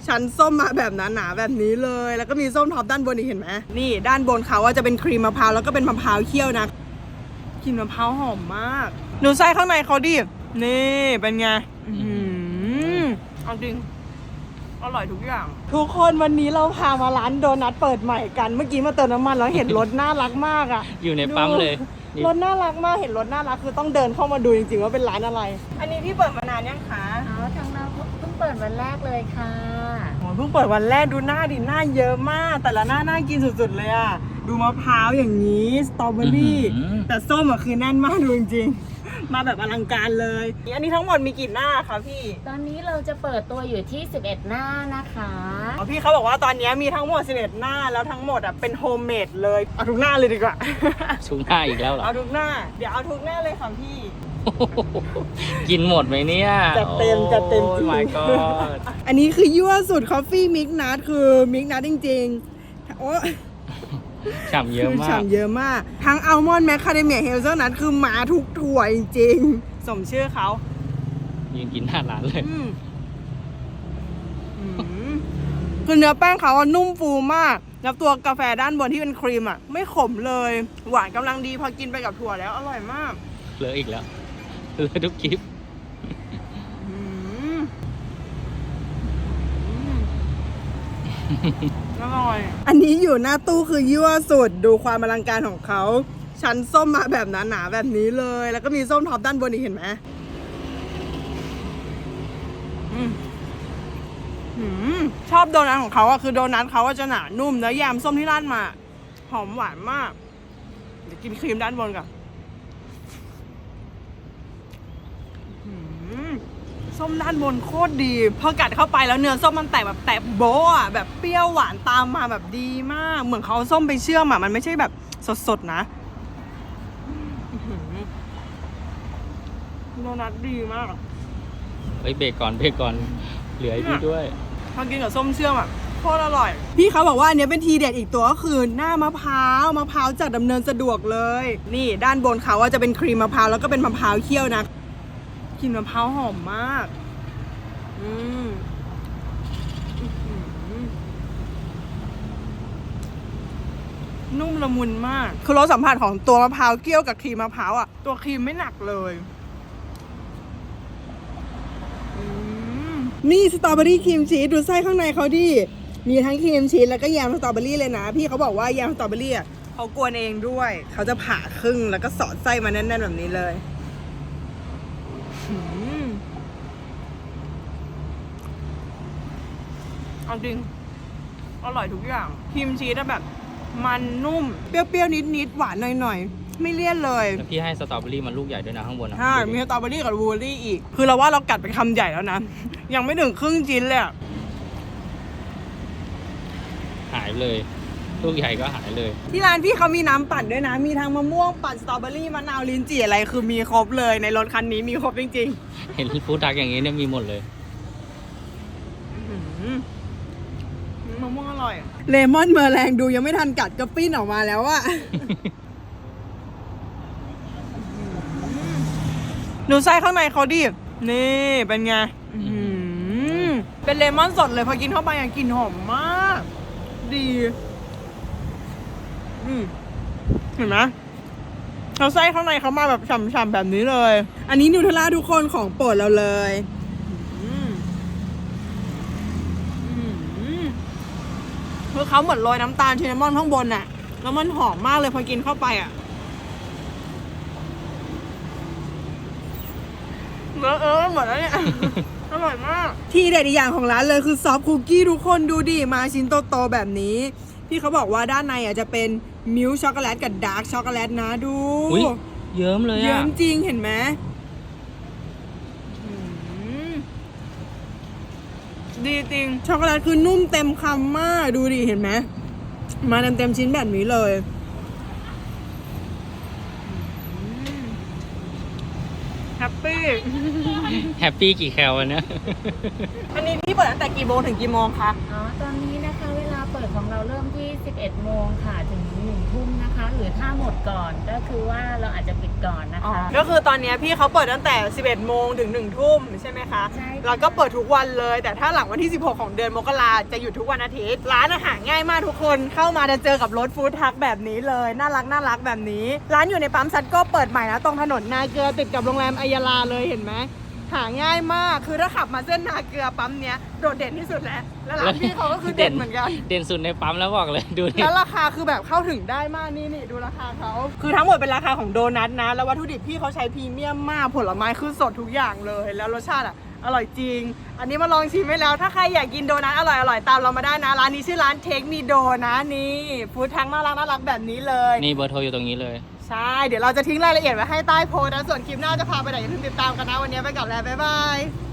ชั้นส้มมาแบบหนาๆแบบนี้เลยแล้วก็มีส้มท็อปด้านบนอีกเห็นไหมนี่ด้านบนเขาว่าจะเป็นครีมมะพร้าวแล้วก็เป็นมะพร้าวเคี่ยวนะกลิ่นมะพร้าวหอมมากดูไส้ข้างในเขาดินี่เป็นไงเอาจริงอร่อยทุกอย่างทุกคนวันนี้เราพามาร้านโดนัทเปิดใหม่กันเมื่อกี้มาเติมน้ำมันแล้วเห็นรถน่ารักมากอ่ะอยู่ในปั๊มเลยรถน่ารักมากเห็นรถน่ารักคือต้องเดินเข้ามาดูจริงๆว่าเป็นร้านอะไรอันนี้พี่เปิดมานานยังคะทางเราเพิ่งเปิดวันแรกเลยค่ะโอ้เพิ่งเปิดวันแรกดูหน้าดิหน้าเยอะมากแต่ละหน้าน่ากินสุดๆเลยอ่ะดูมะพร้าวอย่างนี้สตรอเบอรี่แต่ส้มอ่ะคือแน่นมากดูจริงๆมาแบบอลังการเลยอันนี้ทั้งหมดมีกี่หน้าคะพี่ตอนนี้เราจะเปิดตัวอยู่ที่11หน้านะคะพี่เขาบอกว่าตอนนี้มีทั้งหมด11หน้าแล้วทั้งหมดอ่ะเป็นโฮมเมดเลยเอาทุกหน้าเลยดีกว่าทุกหน้าอีกแล้วเหรอเอาทุกหน้าเดี๋ยวเอาทุกหน้าเลยค่ะพี่กินหมดไหมเนี่ยจัดเต็มจริง my god อันนี้คือยั่วสุดคอฟฟี่มิกนัทคือมิกนัทจริงๆโอ้ฉ่ำเยอะมากฉ่ำเยอะมากทั้งอัลมอนด์แมคคาเดเมียเฮลเซอร์นัทคือมาทุกถั่วจริงๆสมชื่อเขายืนกินหน้าร้านเลยคือเนื้อแป้งเขานุ่มฟูมากแล้วตัวกาแฟด้านบนที่เป็นครีมอ่ะไม่ขมเลยหวานกำลังดีพอกินไปกับถั่วแล้วอร่อยมากเหลืออีกแล้วเหลือทุกคลิปอร่อยอันนี้อยู่หน้าตู้คือยั่วสุดดูความอลังการของเขาชั้นส้มมาแบบหนาๆแบบนี้เลยแล้วก็มีส้มท็อปด้านบนอีกเห็นไหมชอบโดนัทของเขาอะคือโดนัทเขาจะหนานุ่มแล้วแยมส้มที่ราดมาหอมหวานมากเดี๋ยวกินครีมด้านบนก่อนส้มด้านบนโคตรดีพอกัดเข้าไปแล้วเนื้อส้มมันแตกแบบแตกโบ๊ะอะแบบเปรี้ยวหวานตามมาแบบดีมากเหมือนเขาส้มไปเชื่อมอะมันไม่ใช่แบบสดๆนะโดนัทดีมากเฮ้ยเบรกก่อนเหลือให้พี่ด้วยพอกินกับส้มเชื่อมอ่ะโคตรอร่อยพี่เขาบอกว่าอันนี้เป็นทีเด็ดอีกตัวก็คือหน้ามะพร้าวจัดดำเนินสะดวกเลยนี่ด้านบนเขาว่าจะเป็นครีมมะพร้าวแล้วก็เป็นมะพร้าวเคี่ยวนะกลิ่นมะพร้าวหอมมากนุ่มละมุนมากคือรสสัมผัสของตัวมะพร้าวเคี่ยวกับครีมมะพร้าวอ่ะตัวครีมไม่หนักเลยนี่สตรอเบอรี่ครีมชีสดูไส้ข้างในเขาดิมีทั้งครีมชีสแล้วก็แยมสตรอเบอรี่เลยนะพี่เขาบอกว่าแยมสตรอเบอรี่อ่ะเขากวนเองด้วยเขาจะผ่าครึ่งแล้วก็สอดไส้มาแน่นๆแบบนี้เลยเอาจริงอร่อยทุกอย่างครีมชีสแบบมันนุ่มเปรี้ยวๆนิดๆหวานหน่อยๆไม่เลี่ยนเลยแล้วพี่ให้สตรอเบอรี่มันลูกใหญ่ด้วยนะข้างบนใช่มีสตรอเบอรี่กับบลูเบอรี่อีกคือเราว่าเรากัดไปคำใหญ่แล้วนะยังไม่ถึงครึ่งชิ้นเลยหายเลยลูกใหญ่ก็หายเลยที่ร้านพี่เขามีน้ำปั่นด้วยนะมีทั้งมะม่วงปั่นสตรอเบอรี่มะนาวลิ้นจี่อะไรคือมีครบเลยในรถคันนี้มีครบจริงๆเห็นฟู้ดทรัคอย่างนี้เนี่ยมีหมดเลยมะม่วงอร่อยเลมอนเมอร์แรงดูยังไม่ทันกัดก็ปิ้นออกมาแล้วอะดูไส้ข้างในเขาดินี่เป็นไงเป็นเลมอนสดเลยพอกินเข้าไปอย่างกลิ่นหอมมากดีเห็นไหมเราไส้ข้างในเขามาแบบฉ่ำๆแบบนี้เลยอันนี้นูเทลล่าทุกคนของโปรดเราเลยคือเขาเหมือนโรยน้ำตาลชินนามอนข้างบนน่ะแล้วมันหอมมากเลยพอกินเข้าไปอ่ะหมดแล้วเนี่ย อร่อยมากที่เด็ดอีกอย่างของร้านเลยคือซอฟต์คุกกี้ทุกคนดูดิมาชิ้นโตๆแบบนี้พี่เขาบอกว่าด้านในจะเป็นมิลค์ช็อกโกแลตกับดาร์กช็อกโกแลตนะดูเยิ้มเลยอะเยิ้มจริงเห็นไหมดีจริงช็อกโกแลตคือนุ่มเต็มคำมากดูดิเห็นไหมมาเต็มชิ้นแบบนี้เลยแฮปปี้กี่แคลวันนี้อันนี้พี่เปิดตั้งแต่กี่โมงถึงกี่โมงคะตอนนี้นะคะเวลาเปิดดของเราเริ่มที่ 11 โมงค่ะถึง 1 ทุ่มนะคะ หรือถ้าหมดก่อนก็คือว่าเราอาจจะปิดก่อนนะคะก็คือตอนนี้พี่เขาเปิดตั้งแต่ 11 โมงถึง 1 ทุ่มใช่ไหมคะใช่ค่ะแล้วก็เปิดทุกวันเลย แต่ถ้าหลังวันที่ 16 ของเดือนมกราจะหยุดทุกวันอาทิตย์ ร้านอาหารง่ายมากทุกคน เข้ามาจะเจอกับรถฟู้ดทรัคแบบนี้เลย น่ารักแบบนี้ ร้านอยู่ในปั๊มซัดโก้เปิดใหม่นะตรงถนนนาเกลือติดกับโรงแรมอัยยาลาเลยเห็นไหม หาง่ายมาก คือถ้าขับมาเส้นนาเกลือปั๊มเนี้ยโดดเด่นที่สุดแล้ว แล้วร้านพี่เขาก็คือเด่นเหมือนกันเด่นสุดในปั๊มแล้วบอกเลยดูนี่แล้วราคาคือแบบเข้าถึงได้มากนี่ดูราคาเขาคือทั้งหมดเป็นราคาของโดนัทนะ แล้ววัตถุดิบพี่เขาใช้พรีเมียมมากผลไม้คือสดทุกอย่างเลย แล้วรสชาติอร่อยจริง อันนี้มาลองชิมไว้แล้ว ถ้าใครอยากกินโดนัทอร่อยตามเรามาได้นะ ร้านนี้ชื่อร้านเทคมีโดนะนี่ฟู้ดทักน่ารักแบบนี้เลยนี่เบอร์โทรอยู่ตรงนี้เลยใช่เดี๋ยวเราจะทิ้งรายละเอียดไว้ให้ใต้โพสต์นะส่วนคลิปหน้าจะพาไปไหนอย่าลืมติดตามกันนะวันนี้ไปก่อนแล้วบ๊ายบาย